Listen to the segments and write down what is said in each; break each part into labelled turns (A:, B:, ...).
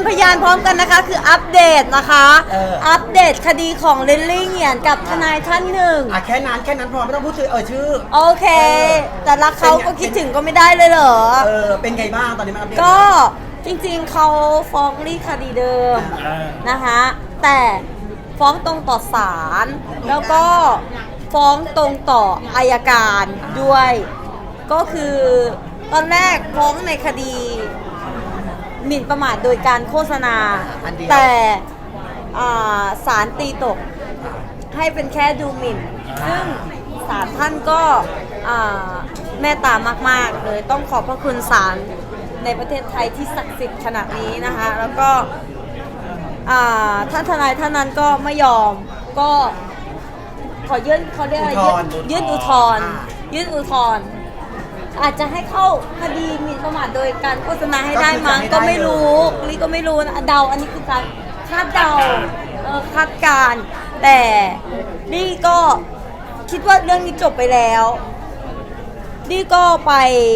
A: พยานพร้อมกันนะคะคืออัปเดตนะคะอัปเดตคดีของลิลลี่เหงียนกับทนายท่านหนึ่ง
B: แค่นั้นพอไม่ต้องพูดชื่อ
A: โอเคแต่รักเขาก็คิดถึงก็ไม่ได้เลยเหรอ
B: เป็นไงบ้างตอนนี้มันอัปเดต
A: ก็จริงๆเขาฟ้องลี่คดีเดิมนะคะแต่ฟ้องตรงต่อศาลแล้วก็ฟ้องตรงต่ออัยการด้วยก็คือตอนแรกฟ้องในคดีหมิ่นประมาทโดยการโฆษณาแต่ศาลตีตกให้เป็นแค่ดูหมิ่นซึ่งศาลท่านก็เมตตามากๆเลยต้องขอบพระคุณศาลในประเทศไทยที่ศักดิ์สิทธิ์ขนาดนี้นะคะแล้วก็ท่านทนายท่านนั้นก็ไม่ยอมก็ขอยื่นเขาเรียกอะไรยื่นอุทธรณ์อาจจะให้เข้าคดีหมิ่นประมาทโดยการโฆษณาให้ได้มั้งก็ไม่รู้ลี่ก็ไม่รู้นะเดาอันนี้คือการคาดเดาคาดการแต่ลี่ก็คิดว่าเรื่องนี้จบไปแล้วลี่ก็ไป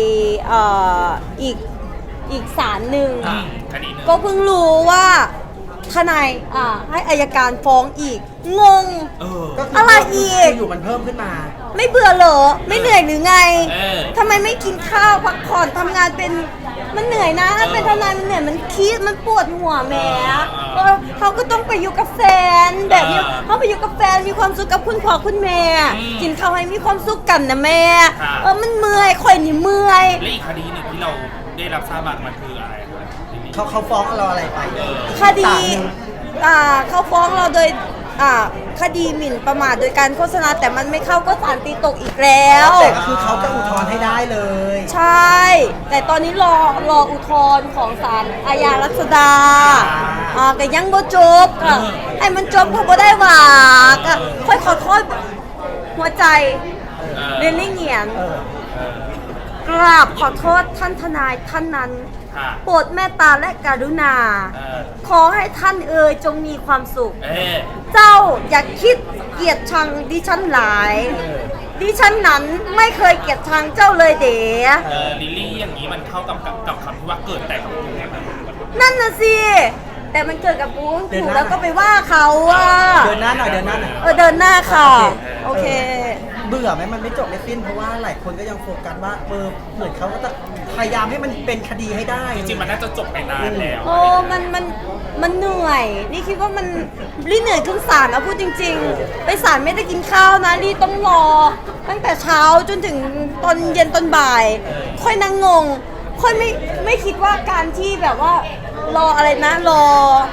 A: อีกศาลหนึ่งก็เพิ่งรู้ว่าทนายให้อัยการฟ้องอีกงงอะไรอีก
B: อยู่มันเพิ่มขึ้นมา
A: ไม่เบื่อเหรอไม่เหนื่อยหรือไงทำไมไม่กินข้าวพักผ่อนทำงานเป็นมันเหนื่อยนะเป็นทนายมันเหนื่อยมันคิดมันปวดหัวแม่เขาก็ต้องไปอยู่กับแฟนแบบนี้เขาไปอยู่กับแฟนมีความสุขกับคุณพ่อคุณแม่กินข้าวให้มีความสุขกันนะแม่มันเมื่อยคอยนี่เมื่อย
C: และอีกคดีหนึ่งที่เราได้รับทราบมันคืออะไร
B: เขาฟ้องเราอะไรไป
A: คดีเขาฟ้องเราโดยคดีหมิ่นประมาทโดยการโฆษณาแต่มันไม่เข้าก็ศาลตีตกอีกแล้ว
B: แต่ก็คือเขาจะอุทธรณ์ให้ได้เลย
A: ใช่แต่ตอนนี้รออุทธรณ์ของศาลอาญารัชดาแต่ยังบ่จบให้มันจบเขาบ่ได้หว่าค่อยขอโทษหัวใจเรนนี่เหงียนกราบขอโทษท่านทนายท่านนั้นโปรดเมตตาและกรุณาขอให้ท่านจงมีความสุขเจ้าอย่าคิดเกลียดชังดิฉันหลายดิฉันนั้นไม่เคยเกลียดชังเจ้าเลยเด๋
C: ลิลลี่อย่างนี้มันเข้ากับคำที่ว่าเกิดแต่กับกู
A: นั่นน่ะสิแต่มันเกิดกับกูถูกแล้วก็ไปว่าเขา
B: เดินหน้าหน่อย
A: เดินหน้าค่ะโอเค
B: เบื่อไหมมันไม่จบไม่สิ้นเพราะว่าหลายคนก็ยังโฟกัสว่าเหมือนเขาก็จะพยายามให้มันเป็นคดีให้ได้
C: จริงๆมันน่าจะจบไปนานแล้ว
A: มันเหนื่อยนี่คิดว่ามันรีเหนื่อยขึ้นศาลนะพูดจริงๆไปศาลไม่ได้กินข้าวนะรีต้องรอตั้งแต่เช้าจนถึงตอนเย็นตอนบ่ายค่อยนั่งงงค่อยไม่คิดว่าการที่แบบว่ารออะไรนะรอ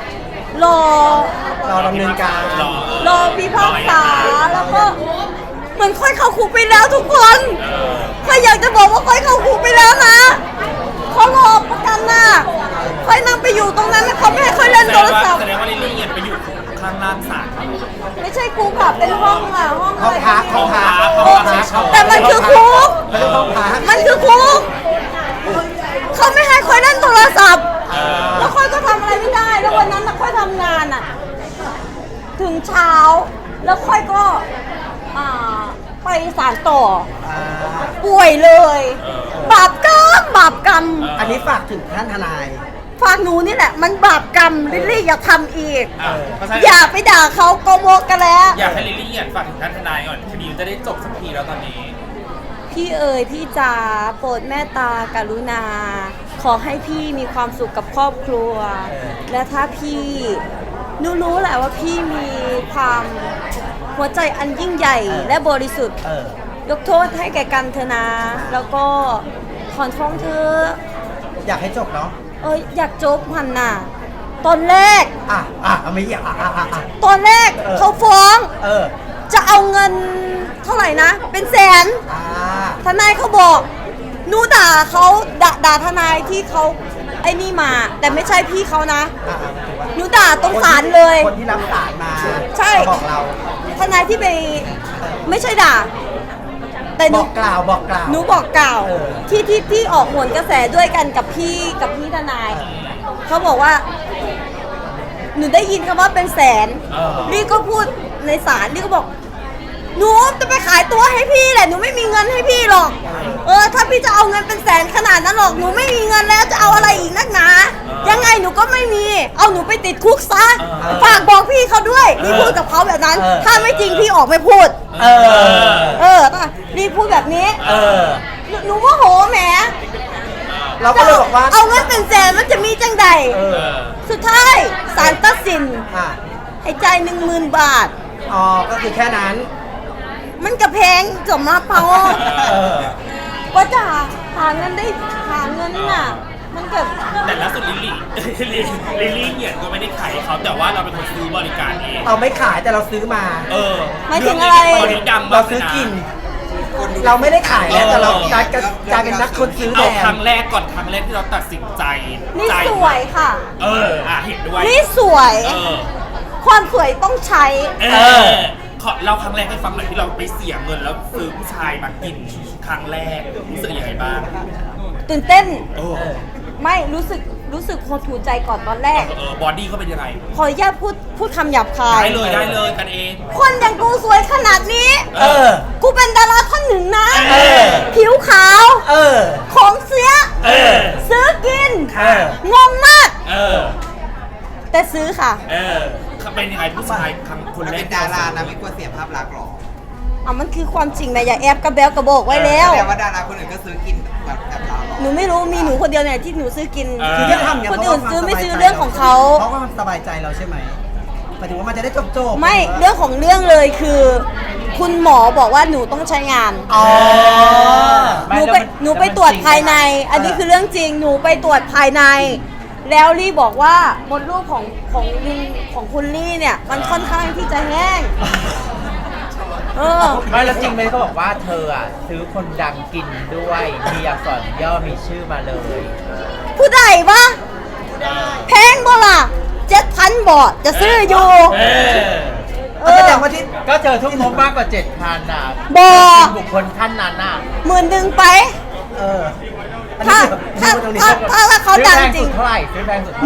B: ดำเนินการ
A: รอพิพากษาแล้วก็เหมือนค่อยเข้าคุกไปแล้วทุกคนค่อยอยากจะบอกว่าค่อยเข้าคุกไปแล้วนะเขารอประกันน่ะค่อยนั่งไปอยู่ตรงนั้นแล้วเขาไม่ให้ค่อยเล่นโทรศัพท์
C: แสดงว่าลิลลี่เหงียนไปอยู่ข้างล่างศาล
A: ไม่ใช่คุกค่ะเป็นห้องห้อง
B: พัก
A: แต่มันคือคุกมันคือคุกเขาไม่ให้ค่อยเล่นโทรศัพท์แล้วค่อยก็ทำอะไรไม่ได้แล้ววันนั้นค่อยทำงานถึงเช้าแล้วค่อยก็ไปศาลต่อป่วยเลยบาปกรรม
B: อันนี้ฝากถึงท่านทนาย
A: ฝากหนูนี่แหละมันบาปกรรมลิลลี่อย่าทำอีกอย่าไปด่าเขาโกโมกกันแล้ว
C: อยากให้ลิลลี่ฝากถึงท่านทนายก่อนคดีจะได้จบสักทีแล้วตอนนี้
A: พี่พี่จ๋าโปรดเมตตากรุณาขอให้พี่มีความสุขกับครอบครัวและถ้าพี่หนูรู้แหละว่าพี่มีความหัวใจอันยิ่งใหญ่และบริสุทธิ์ยกโทษให้แก่กันเถอะนะแล้วก็ถอนฟ้องเธอ
B: อยากให้จบเนาะ
A: อยากจบมันน่ะตอนแรก
B: ไม่อยาก
A: ตอนแรกเขาฟ้องจะเอาเงินเท่าไหร่นะเป็นแสนทนายเขาบอกหนูด่าเขาด่าทนายที่เขาไอ้นี่มาแต่ไม่ใช่พี่เขานะหนูด่าตรงศาลเลย
B: คนที่รับศาลมา
A: ใช่
B: บอกเรา
A: ทนายที่ไปไม่ใช่ด่าแต่
B: บอกกล่าว
A: หนูบอกกล่าวที่ออกโหนกระแสด้วยกันกับพี่ทนายเขาบอกว่าหนูได้ยินคำว่าเป็นแสนลี่ก็พูดในศาลลี่ก็บอกหนูจะไปขายตัวให้พี่แหละหนูไม่มีเงินให้พี่หรอกถ้าพี่จะเอาเงินเป็นแสนขนาดนั้นหรอกหนูไม่มีเงินแล้วจะเอาอะไรอีกนักหนายังไงหนูก็ไม่มีเอาหนูไปติดคุกซะฝากบอกพี่เขาด้วยนี่พูดกับเขาแบบนั้นถ้าไม่จริงพี่ออกไม่พูดนี่พูดแบบนี้หนูว่าโหแหม
B: เราก็เลยบอกว่า
A: เอาเงินเป็นแสนมันจะมีจังใดสุดท้ายศาลตัดสินให้จ่าย10,000 บาท
B: ก็คือแค่นั้น
A: มันกระแพงจบมาเปล่าว่าจะหาเงินได้หาเงินน่ะมันเกิด
C: แต่ล่าสุดลิลลี่เนี่ยก็ไม่ได้ขายเขาแต่ว่าเราเป็นคนซื้อบริการเอง
B: เราไม่ขายแต่เราซื้อมา
A: ไม่ถึงอะไร
B: เราซื้อกินเราไม่ได้ขายแล้วแต่เรากลายเป็นนักคนซื้อแทน
C: ครั้งแรกที่เราตัดสินใจ
A: นี่สวยค่ะ
C: เห็นด้วย
A: นี่สวยความสวยต้องใช้
C: ขอเล่าครั้งแรกให้ฟังหน่อยที่เราไปเสียเงินแล้วซื้อผู้ชายมากินครั้งแรกรู้สึกยังไงบ้าง
A: ตื่นเต้นไม่รู้สึกโคตรถูใจก่อนตอนแรก
C: บอดี้เขาเป็นยังไง
A: ขออนุญาตพูดคำหยาบคาย
C: ได้เลยกันเอง
A: คนอย่างกูสวยขนาดนี้กูเป็นดาราท่านหนึ่งนะผิวขาวของเสียซื้อกินงงมากแต่ซื้อค่ะ
C: เป็นยังไงผู้ชายคนแรก
D: เป็นดารานะไม่กลัวเสียภาพลักษณ์หรอ
A: มันคือความจริงนะอย่าแอบกระเบลกระโบกไว้แล้ว
D: แต่ว่าดาราคนอื่นก็ซื้อกินแบบเรา
A: หนูไม่รู้มีหนูคนเดียวเนี่ยที่หนูซื้อกิน
B: คือที่ทำเนี่ย
A: คนอื่นซื้อไม่ซื้อเรื่องของเขา
B: เพราะว่ามันสบายใจเราใช่ไหมหมายถึงว่ามันจะได้จบ
A: ไม่เรื่องของเรื่องเลยคือ คุณหมอบอกว่าหนูต้องใช้งานหนูไปตรวจภายในอันนี้คือเรื่องจริงหนูไปตรวจภายในแล้วลี่บอกว่ามดลูกของคุณลี่เนี่ยมันค่อนข้างที่จะแห้ง
E: ไม่แล้วจริงไหมเขาบอกว่าเธอซื้อคนดังกินด้วยมีอักษรย่อมีชื่อมาเลย
A: ผู้ใดวะแพงบ่ล่ะ7,000 บาทจะซื้ออยู่
B: แสดงว่าที่
E: ก็เจอทุกงบมากกว่า 7,000
A: บ่
E: บุคคลท่านนั้น
A: 10,000 ไปถ้าเขาดังจริง
E: เท่าไหร่ซื้อแพงสุด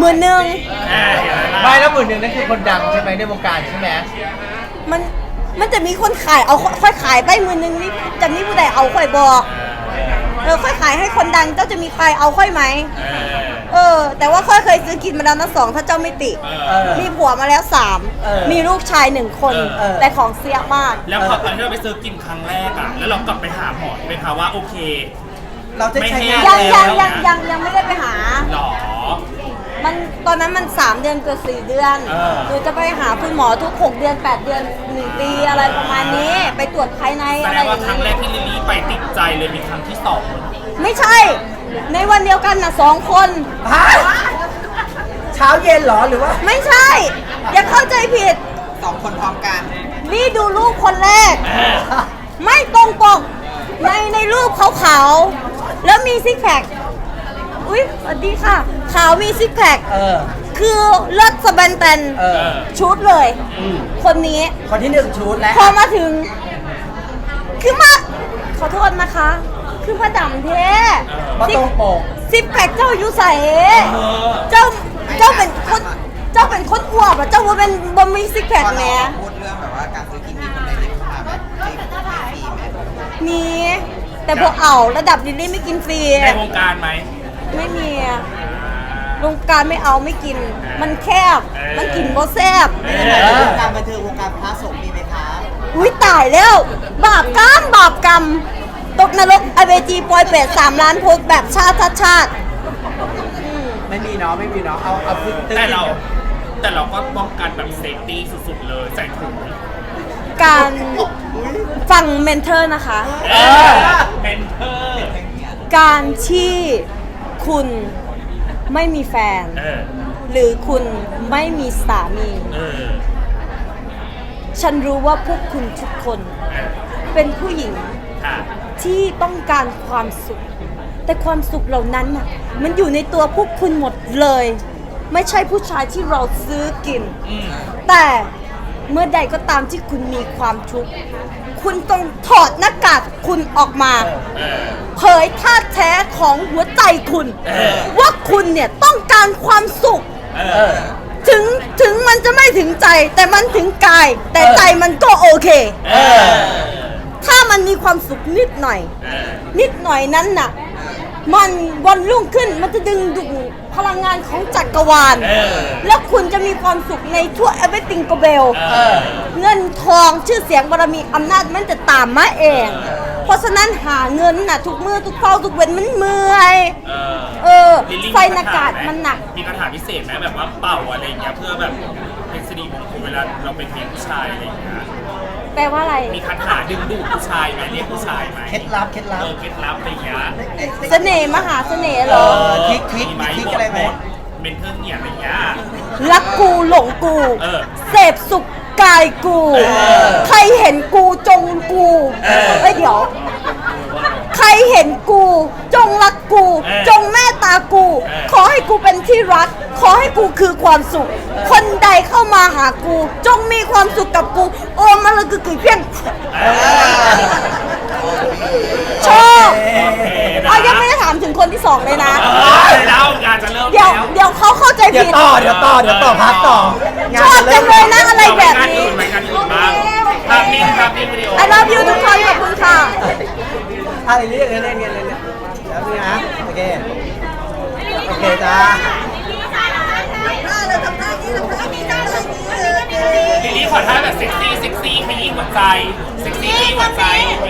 A: 10,000
E: ไม่แล้ว10,000นั่นคือคนดังใช่ไหมในวงการใช่ไหม
A: มันจะมีคนขายเอาค่อยขายไป10,000นี่จะมีผู้ใดเอาค่อยบอกค่อยขายให้คนดังเจ้าจะมีใครเอาค่อยไหมแต่ว่าค่อยเคยซื้อกินมาแล้วนะ2ถ้าเจ้าไม่ติมีผัวมาแล้ว3มีลูกชาย1คนแต่ของเสียมาก
C: แล้วพอตอนที่เราไปซื้อกินครั้งแรกแล้วเรากลับไปหาหมอไหมคะว่าโอเค
B: เราจะใช้งาน
A: ยังไม่ได้ไปหา
C: หรอ
A: มันตอนนั้นมัน3 เดือนเกือบ4 เดือนหนูจะไปหาคุณหมอทุก6 เดือน8 เดือน1 ปีอะไรประมาณนี้ไปตรวจภายในอะไร
C: อย่างนี้แสดงว่าครั้งแรกที่ลิลลี่ไปติดใจเลยมีครั้งที่2
A: ไม่ใช่ในวันเดียวกันนะ2 คน
B: เช้าเย็นหรอหรือว่า
A: ไม่ใช่อย่าเข้าใจผิด
D: 2 คนพร้อมกัน
A: นี่ดูรูปคนแรกไม่ตรงปกในรูปขาวๆแล้วมีซิกแพคอุ๊ยสวัสดีค่ะขาวมีซิกแพคคือเลิศสแบนแตนชุดเลยคนนี้
B: คนที่1ชุดแล้ว
A: พอมาถึงคือมาขอโทษนะคะคือมาดำเท่
B: มาตรงปก
A: ซิกแพคเจ้าอยู่ใส่เจ้าเป็นคนอ้วนเจ้าว่าเป็นบะหมี่ซิกแพคแม่
D: พูดเรื่องแบบว่าการซื้อกินมีคนใดเล็กมาแบบฟรีไหม
A: มีแต่พวกเอาระดับลิลลี่ไม่กินฟรี
C: ในวงการไหม
A: ไม่มีวงการไม่เอาไม่กินมันแคบมันกินบ่แซ่บ
D: วงการบันเทิงวงการพระสงฆ์มีไหมคะ
A: อุ้ยตายแล้วบาปกรรมตกนรกอเวจีปอยเป็ด3 ล้านโพสแบบชาติ
B: ไม่มีเนาะเอาพึ่งตึ้ง
C: แต่เราก็ป้องกันแบบเซฟตี้สุดๆเลยใส่ถุง
A: การฟังเมนเทอร์นะคะ
C: เมนเทอร์
A: การที่คุณไม่มีแฟนหรือคุณไม่มีสามีฉันรู้ว่าพวกคุณทุกคนเป็นผู้หญิงที่ต้องการความสุขแต่ความสุขเหล่านั้นน่ะมันอยู่ในตัวพวกคุณหมดเลยไม่ใช่ผู้ชายที่เราซื้อกินแต่เมื่อใดก็ตามที่คุณมีความทุกข์คุณต้องถอดหน้ากากคุณออกมาเผยท่าแท้ของหัวใจคุณว่าคุณเนี่ยต้องการความสุขถึงมันจะไม่ถึงใจแต่มันถึงกาย แต่ใจมันก็โอเค ถ้ามันมีความสุขนิดหน่อย นิดหน่อยนั้นน่ะ มันวันรุ่งขึ้นมันจะดึงดูดพลังงานของจักรวาล แล้วคุณจะมีความสุขในทั่ว everything go well เงินทองชื่อเสียงบารมีอำนาจมันจะตามมาเอง เพราะฉะนั้นหาเงินน่ะทุกมือทุกเฝ้าทุกเว้นมันเมื่อยไฟอากาศมันหนัก
C: มีคาถาพิเศษไหมแบบว่าเป่าอะไรอย่างเงี้ยเพื่อแบบเป็นสิริมงคลเวลาเราเป็นผู้ชายอะไรอย่างเงี้ย
A: แปลว่าอะไร
C: มีคาถาดึงดูดผู้ชายไหมเรียกผู้ชายไหม
B: เคล็ดลับเคล็ดลับ
C: เคล็ดลับอะไรอย่างเงี้ย
A: เสน่ห์มหาเสน่ห์เหรอ
B: ทริคมีทริคอะไรไหม
C: เป็นเครื่องเหนียบอะไรอย่างเงี้ย
A: รักกูหลงกู เสพสุขกายกู ใครเห็นกูจงกูเอ้ยเดี๋ยว ใครเห็นกูจงรักกู จงเมตตากู ขอให้กูเป็นที่รัก ขอให้กูคือความสุข คนใดเข้ามาหากู จงมีความสุขกับกู โอมมาเลยคือกี่เพี้ยนชอบเอายังไม่ได้ถามถึงคนที่สองเลยนะ
C: แล้วงานจะเริ่ม
A: เดี๋ยวเขาเข้าใจ
B: เดี๋ยว
A: ผิด
B: ต่อพักต่องาน
A: ชอบ
B: จะเริ่
A: จั
B: ม
A: งเลยนะอะไรแบบนี้
C: รายการอื่นบ้างภาพนิ่งวิดีโอ
A: I love you ทุกคนขอบคุณค่ะ
B: อะไรเรื่อยๆแล้วนี่นะโอเคจ้า
C: ทีนี้ขอท่าแบบเซ็กซี่ขยี้หัวใจเซ็กซี่ขยี้หัวใจโอเค